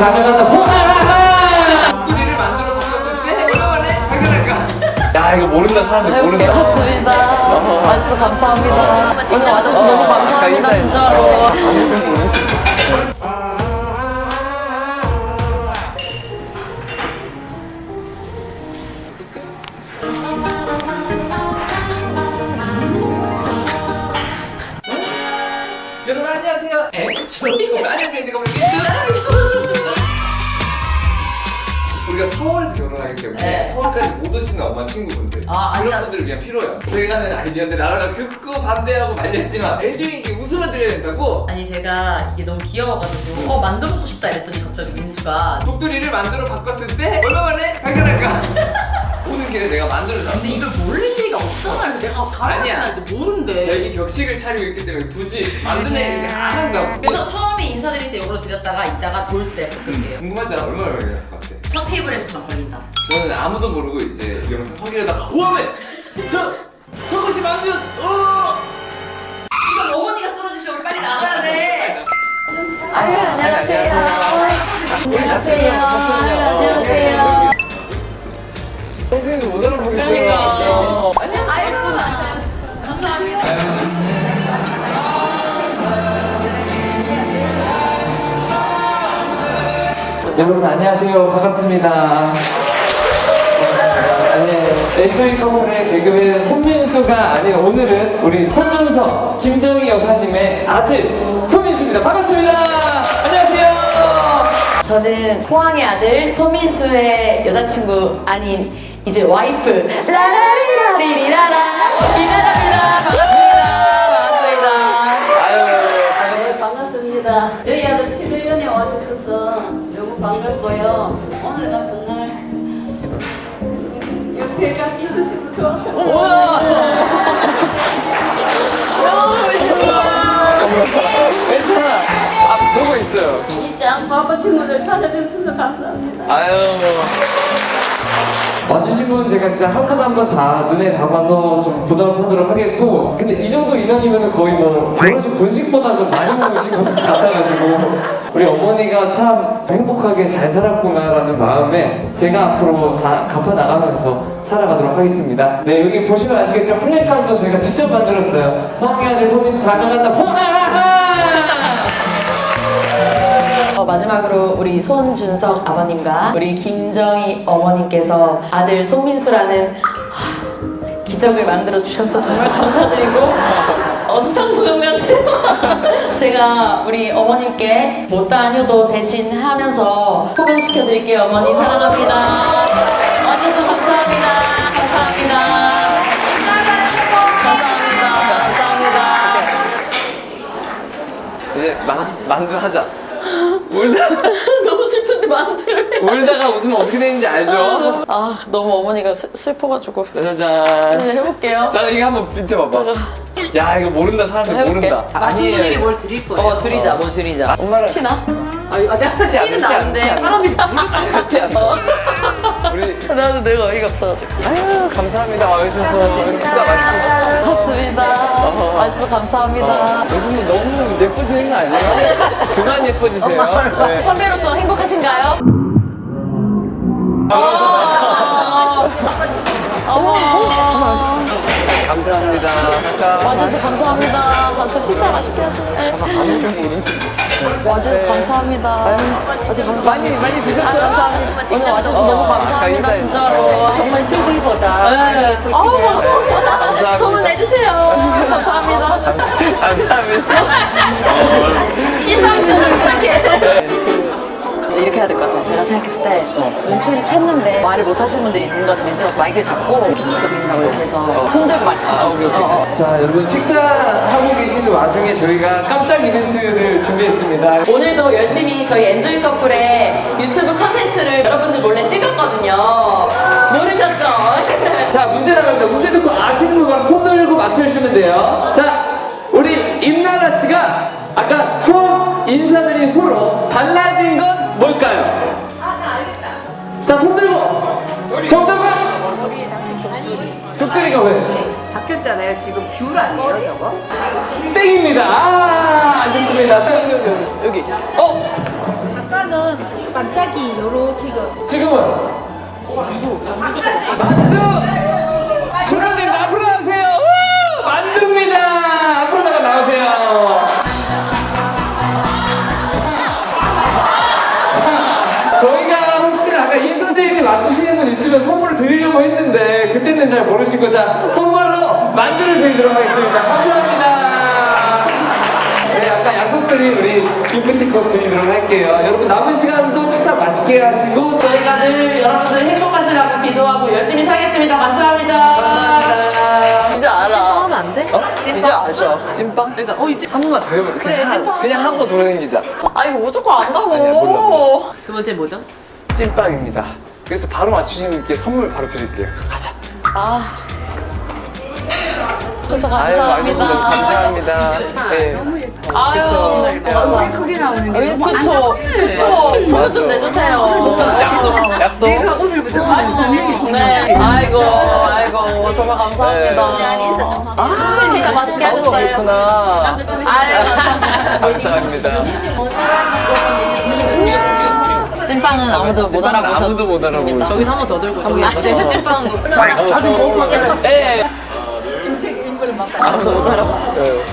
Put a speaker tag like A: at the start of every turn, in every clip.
A: 자녀간다.
B: 우리를 만들어 바꿨을 때 얼마만에 발견할까?
A: 야 이거 모른다 사람들 모른다.
C: 맞습니다. 아직도 감사합니다. 오늘 와주셔서 너무 감사합니다, 진짜로.
B: 여러분 안녕하세요. 안녕하세요. 제가 오늘 우리가 서울에서 결혼하기 때문에
C: 네.
B: 서울까지 못 오시는 엄마 친구분들 그런 분들을 위한 필요해요. 제가 하는 아이디어들 나라가 극구 반대하고 말렸지만 LG에게 웃음을 드려야 된다고
C: 아니 제가 이게 너무 귀여워가지고 만들어보고 싶다 이랬더니 갑자기 민수가
B: 독두리를 만들어 바꿨을 때 얼마만에 발견할까? 오는 길에 내가 만들어놨어.
C: 근데 이걸 모를 리가 없잖아요. 내가
B: 아니야.
C: 가르치는데 모른대.
B: 여기 격식을 차리고 있기 때문에 굳이 만드는 애 이렇게 안 한다고.
C: 그래서 처음에 인사드릴 때 이걸로 드렸다가 이따가 돌 때 바꿀게요.
B: 궁금하잖아. 얼마나 걸릴 것 같아.
C: 첫 테이블에서만 걸린다.
B: 저는 아무도 모르고 이제 영상 확인하다가 우와메! 저것이 만두!
C: 지금 어머니가 쓰러지시면 우리 빨리 나가야 돼.
B: 아유
C: 안녕하세요.
B: 안녕하세요.
C: 안녕하세요.
B: 선생님 못 알아보겠어요.
C: 그러니까. 아이고 감사합니다.
A: 여러분 안녕하세요. 반갑습니다. SOE 커플의 개그맨 손민수가 아닌 오늘은 우리 손준석, 김정희 여사님의 아들 손민수입니다. 반갑습니다. 안녕하세요.
C: 저는 포항의 아들 소민수의 여자친구 아닌 이제 와이프 라라리라리리라라 이나라입니다. 반갑습니다.
D: 반갑습니다. 저희 아들 피부연에 와주셔서 너무 반갑고요. 오늘 같은 날 옆에 같이 있으시면 좋았어요.
B: 괜찮아. 보고 있어요.
D: 진짜 바빠 친구들 찾아주셔서 감사합니다.
B: 아유.
A: 와주신 분 제가 진짜 한 분 한 분 다 눈에 담아서 좀 보답하도록 하겠고, 근데 이 정도 인원이면 거의 뭐 결혼식 본식보다 좀 많이 먹으신 것 같아가지고 우리 어머니가 참 행복하게 잘 살았구나라는 마음에 제가 앞으로 다 갚아나가면서 살아가도록 하겠습니다. 네, 여기 보시면 아시겠지만 플래카드도 저희가 직접 만들었어요. 포항의 아들 소민수 장가간다 포항!
C: 마지막으로 우리 손준석 아버님과 우리 김정희 어머님께서 아들 손민수라는 기적을 만들어 주셔서 정말 감사드리고 수상소감 같아요. 제가 우리 어머님께 못다한 효도 대신 하면서 호강시켜 드릴게요. 어머니 사랑합니다. 와주셔서 감사합니다. 감사합니다. 감사합니다.
B: 이제 만두 하자.
C: 너무 슬픈데 만두를
B: 울다가 웃으면 어떻게 되는지 알죠?
C: 너무 어머니가 슬퍼가지고
B: 짜자잔.
C: 그냥 해볼게요.
B: 자, 이거 한번 밑에 봐봐. 야, 이거 모른다 사람들
C: 해볼게.
B: 모른다.
D: 마주분에게 뭘 드릴 거예요?
C: 드리자, 뭐 드리자.
B: 엄마랑
C: 티나?
D: 내가 티는 나는데 사람이
B: 같이 안 나. 우리
C: 나도 내가 어이가 없어가지고.
B: 아유 감사합니다 와주셔서 식사 맛있게.
C: 맞습니다. 맛있어 감사합니다.
B: 요즘은 너무 예뻐지는 거 아니에요? 그만 예뻐지세요. 네.
C: 선배로서 행복하신가요? 어머.
B: 감사합니다.
C: 와주셔서 감사합니다. 감사 식사 맛있게 하세요.
B: 아무도 모르는.
C: 와주셔서 감사합니다.
B: 많이 드셨어요?
C: 감사합니다. 오늘 와주셔서 너무 감사합니다. 진짜로.
D: 정말 TV보다
C: 네. 감사합니다. 소문 내주세요. 감사합니다.
B: 감사합니다.
C: 시상식을 이렇게. 이렇게 해야 될 것 같아. 내가 생각했을 때 눈치를 챘는데 말을 못 하시는 분들이 있는 것 같으면서 마이크를 잡고 드린다고 이렇게 해서 손 들고 맞추기.
A: 자, 여러분 식사하고 계시는 와중에 저희가 깜짝 이벤트를 준비했습니다.
C: 오늘도 열심히 저희 엔조이 커플의 유튜브 컨텐츠를 여러분들 몰래 찍었거든요. 모르셨죠?
A: 자, 문제 나갑니다. 문제 듣고 아시는 분 바로 손 들고 맞춰주시면 돼요. 자, 우리 임나라 씨가 아까 처음 인사드린 후로 달라진 건 뭘까요? 나 알겠다. 자, 손 들고. 정답은? 독두리가 왜?
E: 바뀌었잖아요. 지금 귤 아니에요, 저거?
A: 땡입니다. 아쉽습니다. 여기.
E: 아까는 이거는 반짝이 요렇게 이거.
A: 지금은 만두! 주라님 앞으로 나오세요! 우! 만두입니다! 앞으로 잠깐 나오세요! 저희가 혹시 아까 인사드리기 맞추시는 분 있으면 선물을 드리려고 했는데 그때는 잘 모르시고 자 선물로 만두를 드리도록 하겠습니다. 감사합니다. 네, 아까 약속드린 우리 기프티콘 드리도록 할게요. 여러분 남은 시간도 식사 맛있게 하시고
C: 저희가 늘 여러분들 행복하시라고 기도하고 열심히 살겠습니다. 감사합니다. 이제 알아. 찐빵 하면 안 돼? 이제 아셔.
A: 찐빵?
C: 그러니까 이제
A: 한 번만 더 해볼게. 그냥 한 번 돌아다니자.
C: 아 이거 무조건 안 가고.
A: 아니야, 몰라.
F: 두 번째 뭐죠?
A: 찐빵입니다. 그래도 바로 맞추시는 분께 선물 바로 드릴게요. 가자.
C: 아. 그래서
A: 아유,
C: 감사합니다.
A: 감사합니다. 네.
C: 아유, 감사합니다.
F: 크게 나오는 게.
C: 그쵸, 그쵸. 소문 좀 내주세요.
A: 약속.
C: 네. 아이고, 정말 감사합니다. 진짜 맛있게 하셨어요.
A: 그렇구나.
C: 아유,
A: 감사합니다.
C: 찐빵은 아무도 못 알아보셨습니다.
A: 아무도 못 알아보고.
F: 저기서 한 번 더 들고 저기 어디서 찐빵.
C: 네. 아무도 못 알아보셨어요.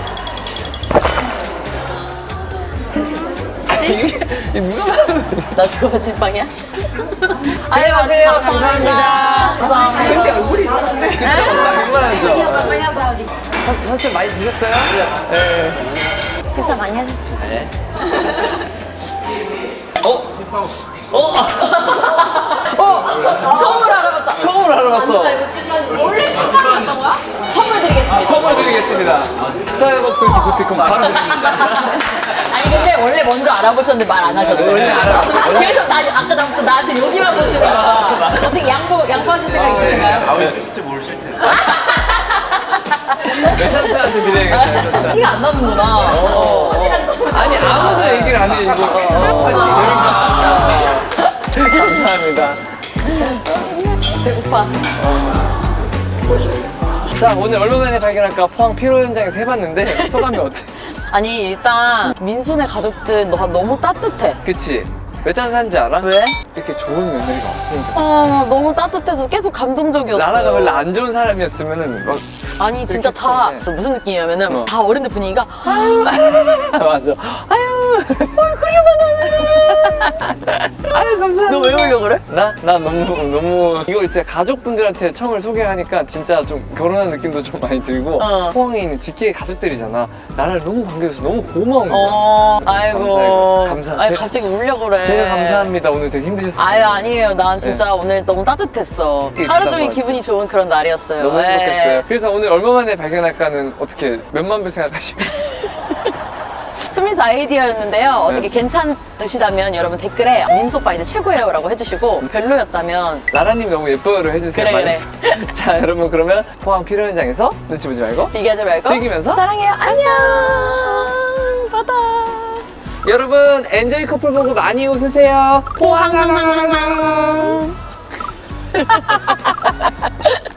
A: 이게 누가
C: 나 저거 찐빵이야? 안녕하세요. 감사합니다. 감사합니다.
A: 얼굴이 그쵸? 장난하죠? 삼촌 많이 드셨어요? 네.
C: 식사 많이 하셨어요?
A: 네.
C: 처음으로 알아봤다.
A: 처음으로 알아봤어.
C: 원래 찐빵이었던 거야? 선물 드리겠습니다.
A: 선물 드리겠습니다. 스타벅스 기프티콘 바로 드립니다.
C: 아니 근데 원래 먼저 알아보셨는데 말 안 하셨죠?
A: 원래 알아봤어요.
C: 그래서 아까 나한테 여기만 보시는 거야. 어떻게 양보하실 생각 있으신가요?
A: 네, 삼촌한테 드려야겠어요.
C: 티가 안 나는구나.
A: 아니 아무도 얘기를 안 해 이거. 감사합니다.
C: 배고파.
A: 자 오늘 얼마 만에 발견할까 포항 피로 현장에서 해봤는데 소감이 어때?
C: 아니 일단 민수네 가족들 다 너무 따뜻해.
A: 그치? 왜 따뜻한지 알아?
C: 왜?
A: 이렇게 좋은 며느리가 왔으니까.
C: 너무 따뜻해서 계속 감동적이었어.
A: 나라가 원래 안 좋은 사람이었으면은 막
C: 아니 진짜 다
A: 그랬겠어.
C: 무슨 느낌이냐면은
A: 어.
C: 다 어른들 분위기가 아유
A: 맞아. 아유 감사합니다.
C: 너 왜 울려 그래?
A: 나 너무 이거 진짜 가족분들한테 처음을 소개하니까 진짜 좀 결혼한 느낌도 좀 많이 들고
C: 어.
A: 포항에 있는 직계 가족들이잖아. 나를 너무 반겨줘서 너무 고마운 거야.
C: 아이고
A: 감사해요.
C: 아니 갑자기 울려 그래.
A: 제가 감사합니다. 오늘 되게 힘드셨어요.
C: 아유 아니에요. 난 진짜 오늘 너무 따뜻했어.
A: 이게
C: 하루
A: 있었던
C: 종일
A: 것
C: 기분이 좋은 그런 날이었어요.
A: 너무
C: 네.
A: 행복했어요. 그래서 오늘 얼마 만에 발견할까는 어떻게 몇만 배 생각하시고
C: 수민수 아이디어였는데요. 어떻게
A: 네.
C: 괜찮으시다면 여러분 댓글에 민수 오빠 이제 최고예요 라고 해주시고 별로였다면
A: 나라님 너무 예뻐요를 해주세요.
C: 그래,
A: 많이. 자 여러분 그러면 포항 피로 현장에서 눈치 보지 말고
C: 비교하지 말고
A: 즐기면서
C: 사랑해요. 안녕. 바다.
A: 여러분 엔조이 커플 보고 많이 웃으세요. 포항